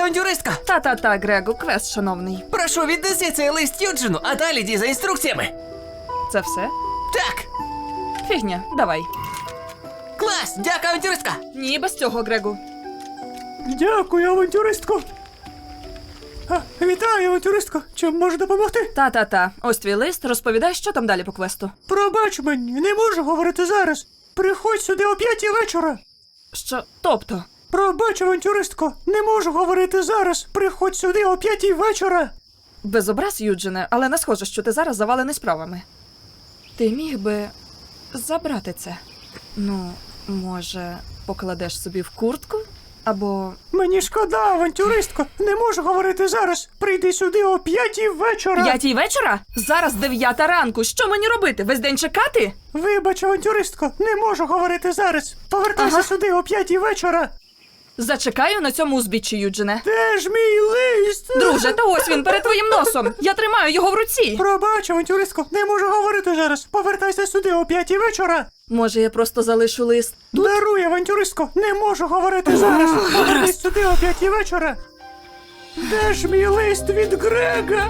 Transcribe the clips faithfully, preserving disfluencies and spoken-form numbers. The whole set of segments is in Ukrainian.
авантюристка! Та-та-та, Грегу, квест, шановний. Прошу, віднеси цей лист Юджину, а далі йди за інструкціями. Це все? Так! Фігня, давай. Клас! Дякую, авантюристка! Ні, без цього, Грегу. Дякую, авантюристко. А, вітаю, авантюристко. Чим можу допомогти? Та-та-та, ось твій лист, розповідай, що там далі по квесту. Пробач мені, не можу говорити зараз. Приходь сюди о п'ятій вечора. Що, тобто? Пробач, авантюристко, не можу говорити зараз. Приходь сюди о п'ятій вечора. Без образ, Юджине, але не схоже, що ти зараз завалений справами. Ти міг би забрати це? Ну, може, покладеш собі в куртку? Або... Мені шкода, авантюристко, не можу говорити зараз. Прийди сюди о п'ятій вечора. П'ятій вечора? Зараз дев'ята ранку. Що мені робити? Весь день чекати? Вибач, авантюристко, не можу говорити зараз. Повертайся Ага. сюди о п'ятій вечора. Зачекаю на цьому узбіччі, Юджине. Де ж мій лист? Друже, та ось він перед твоїм носом. Я тримаю його в руці. Пробач, авантюристко, не можу говорити зараз. Повертайся сюди о п'ятій вечора. Може, я просто залишу лист? Даруй, авантюристко, не можу говорити зараз. Повернись сюди о п'ятій вечора. Де ж мій лист від Грега?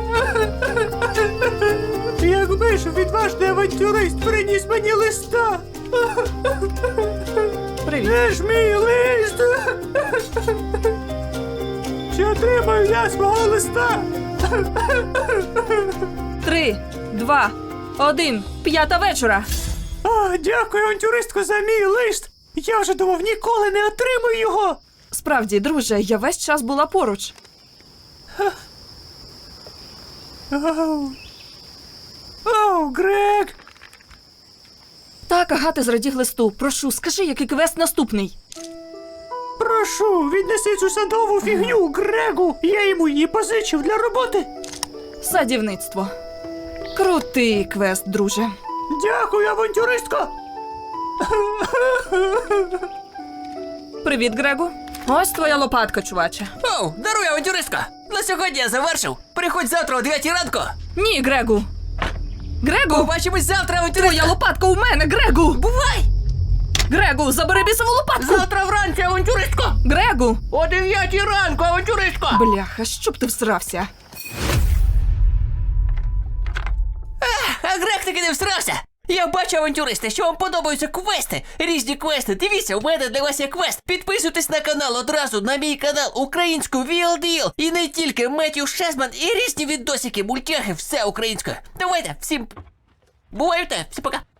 Якби ж відважний авантюрист приніс мені листа. Привіт. Де ж мій лист? Чи отримаю я свого листа? Три, два, один. П'ята вечора. О, дякую, авантюристко, за мій лист. Я вже думав, ніколи не отримаю його. Справді, друже, я весь час була поруч. Оу. Оу, Грег. Так, ага, ти зрадів листу. Прошу, скажи, який квест наступний. Прошу, віднеси цю садову фігню Грегу. Я йому її позичив для роботи. Садівництво. Крутий квест, друже. Дякую, авантюристко. Привіт, Грегу. Ось твоя лопатка, чуваче. Оу, даруй, авантюристка! На сьогодні я завершив. Приходь завтра о дев'ятій ранку. Ні, Грегу. Грегу! Побачимось завтра, авантюристка! Твоя лопатка у мене, Грегу! Бувай! Грегу, забери бісову лопатку! Завтра вранці, авантюристко! Грегу! О дев'ятій ранку, авантюристко! Бляха, щоб ти всрався? А Грег таки не всрався! Я бачу, авантюристи, що вам подобаються квести, різні квести. Дивіться, у мене для вас є квест. Підписуйтесь на канал одразу, на мій канал українською ві ел ді ел. І не тільки Меттью Шесман і різні відосики, мультяхи, все українською. Давайте, всім бувайте, всім пока.